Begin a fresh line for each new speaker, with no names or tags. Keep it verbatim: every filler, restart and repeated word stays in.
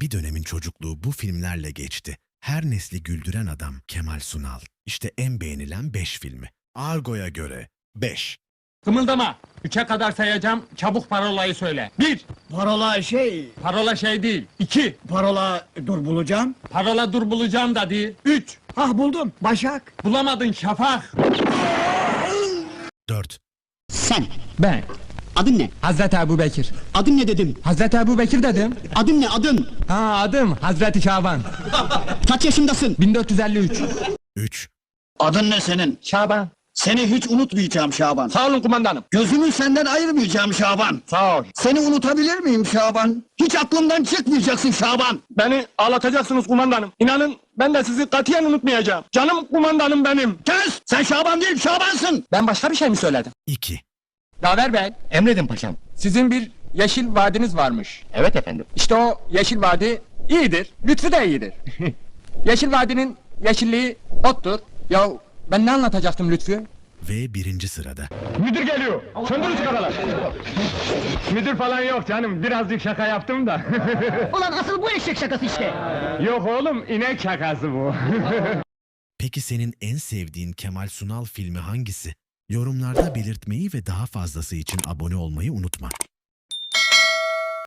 Bir dönemin çocukluğu bu filmlerle geçti. Her nesli güldüren adam Kemal Sunal. İşte en beğenilen beş filmi. Argo'ya göre beş.
Kımıldama. Üçe kadar sayacağım. Çabuk parolayı söyle. Bir.
Parola şey,
Parola şey değil. İki.
parola dur bulacağım.
Parola dur bulacağım da değil. Üç.
Hah buldum, Başak.
Bulamadın Şafak.
Dört.
Sen,
Ben.
adın ne?
Hazreti Ebu Bekir.
Adın ne dedim?
Hazreti Ebu Bekir dedim.
Adın ne, adın?
Ha adım Hazreti Şaban.
Kaç yaşındasın?
bin dört yüz elli üç.
Üç.
Adın ne senin?
Şaban.
Seni hiç unutmayacağım Şaban.
Sağ olun kumandanım.
Gözümü senden ayırmayacağım Şaban.
Sağ ol.
Seni unutabilir miyim Şaban? Hiç aklımdan çıkmayacaksın Şaban.
Beni ağlatacaksınız kumandanım. İnanın ben de sizi katiyen unutmayacağım. Canım kumandanım benim.
Kes! Sen Şaban değil Şabansın.
Ben başka bir şey mi söyledim?
İki.
Daver Bey.
Emredin paşam.
Sizin bir yeşil vadiniz varmış.
Evet efendim.
İşte o yeşil vadi iyidir. Lütfü de iyidir. Yeşil vadinin yeşilliği ottur. Ya ben ne anlatacaktım Lütfü?
Ve birinci sırada.
Müdür geliyor. Söndürün sigaralar. Müdür falan yok canım. Birazcık şaka yaptım da.
Ulan asıl bu eşek şakası işte.
Yok oğlum, inek şakası bu.
Peki senin en sevdiğin Kemal Sunal filmi hangisi? Yorumlarda belirtmeyi ve daha fazlası için abone olmayı unutma.